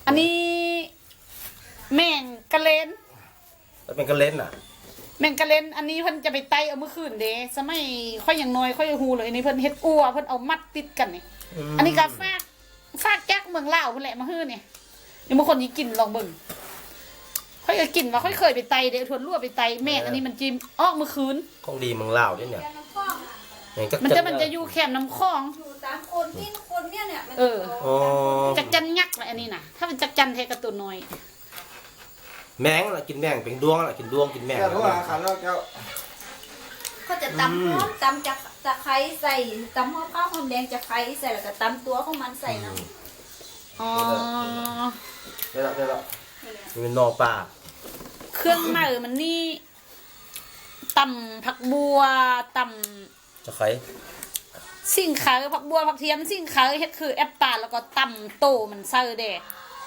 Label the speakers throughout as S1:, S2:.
S1: อันนี้แมงกะเลน
S2: แล้วเป็นกระเล่นอ่ะ
S1: แมงกะเลนอันนี้เพิ่นจะไปไต่เอาเมื่อคืนเด้สมัยค่อยอย่างน้อยค่อยฮูเลยอันนี้เพิ่นเฮ็ดอัวเพิ่นเอามัดติดกันนี่อันนี้ก็ฟากแก๊กเมืองลาวเพิ่นแหละมาฮื้อนี่เดี๋ยวบางคนสิกินลองเบิ่งค่อยก็กินว่าค่อยเคยไปไต่เด้ทวนรั่วไปไต่แม่งอันนี้มันจิ้มออกเมื่อคืน
S2: ของดีเมืองลาวเนี่ยเนี่ย
S1: มันจะอยู่แคมน้ำคลอง
S3: อยู่ตามคนที่คนเนี่ยมัน
S2: อ๋อ
S1: จักจันยักษ์แหละอันนี้น่ะถ้าเป็นจักจันเทกระตุนน้อย
S2: แมงล่ะกินแมงเป็นดวงล่ะกินดวงกินแมง
S4: แก้วเขาว่าขันแล้วแก้ว
S3: เขาจะตำหอมตำจากตะไคร้ใส่ตำหอมข้าวหอมแดงจากไคร้ใส่แล้วก็ตำตัวของมันใส่น้ำ
S1: อ๋อ
S4: ได้แล้ว
S2: มันเป็นนอปลา
S1: เครื่องในมันนี่ตำผักบัวตำ
S2: จะใคร
S1: สิ่งขาผักบัวผักเทียมสิ่งขาเฮ็ดคือแอปปลาแล้วก็ตำโตมันเซอร์เด้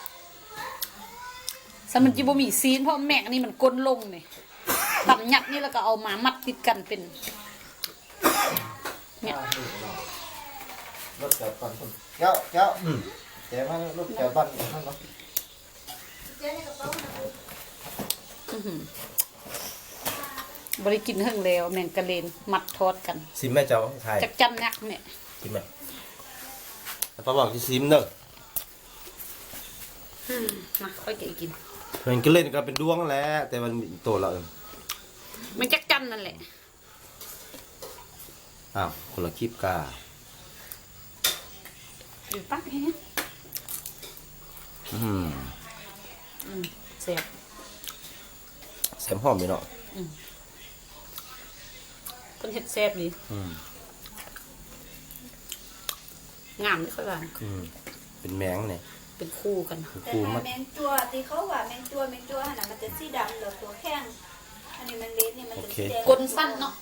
S1: สมันจิบ่มีซีนเพราะแม่งอันนี้มันก้นลงนี่ตำยักษ์นี่แล้วก็เอามามัดติดกันเป็นเนี่ย
S4: รถแก้วปั่นแก้วแก้วรถแก้วปั่นนั่นเนาะ
S3: เจ๊ในกระเป๋านะ
S1: บริกินเฮิงแล้วแมงกะเลนมัดทอดกัน
S2: ซิมแม่เจ้าไทย
S1: จักจันนักเนี่ย
S2: ซิมแม่แล้วป้าบอกที่ซิมเนอะ
S1: มาค่อยกิน
S2: มันก็เล่นกันเป็นดวงแหละแต่มันโตแล้ว
S1: มันจักจันนั่นแหละ
S2: อ้าวคนละคลิปกา
S1: อยู่ปักเฮ้ย เสียบ
S2: แซมหอมอยู่เนาะ
S1: คนเห็ดแซ่บดีงามไม่ค่อยหวาน
S2: เป็นแมงเนี่ย
S1: เป็นคู่กัน
S3: แต่
S2: คู
S3: ถ้า
S2: มัน
S3: แมงจัวที่เขาว่าแมงจัวขนาดมันจะสีดำเหลือตัวแข้งอันนี้แมงเล็ดนี่มันจะสีแดง
S1: กลนสั้นเนาะ